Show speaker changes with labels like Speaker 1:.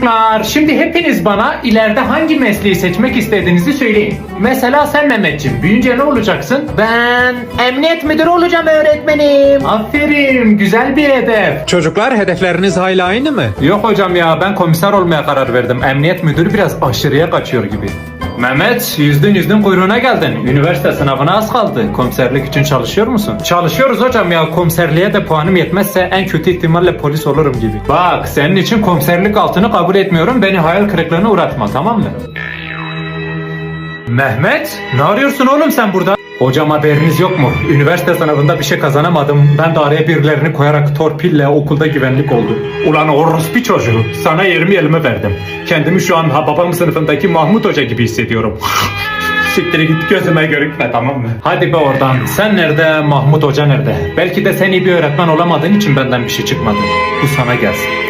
Speaker 1: Çocuklar, şimdi hepiniz bana ileride hangi mesleği seçmek istediğinizi söyleyin. Mesela sen Mehmetciğim, büyüyünce ne olacaksın?
Speaker 2: Ben emniyet müdürü olacağım öğretmenim.
Speaker 1: Aferin, güzel bir hedef.
Speaker 3: Çocuklar hedefleriniz hala aynı mı?
Speaker 1: Yok hocam ya, ben komiser olmaya karar verdim. Emniyet müdürü biraz aşırıya kaçıyor gibi. Mehmet, yüzdün kuyruğuna geldin. Üniversite sınavına az kaldı. Komiserlik için çalışıyor musun? Çalışıyoruz hocam ya. Komiserliğe de puanım yetmezse en kötü ihtimalle polis olurum gibi. Bak, senin için komiserlik altını kabul etmiyorum. Beni hayal kırıklığına uğratma, tamam mı? Mehmet, ne arıyorsun oğlum sen burada? Hocam haberiniz yok mu? Üniversite sınavında bir şey kazanamadım. Ben de araya birilerini koyarak torpille okulda güvenlik oldum. Ulan orospu çocuğu. Sana yerimi elime verdim. Kendimi şu an babam sınıfındaki Mahmut Hoca gibi hissediyorum. Siktir git, gözüme görükme, tamam mı? Hadi be oradan. Sen nerede, Mahmut Hoca nerede? Belki de sen iyi bir öğretmen olamadığın için benden bir şey çıkmadı. Bu sana gelsin.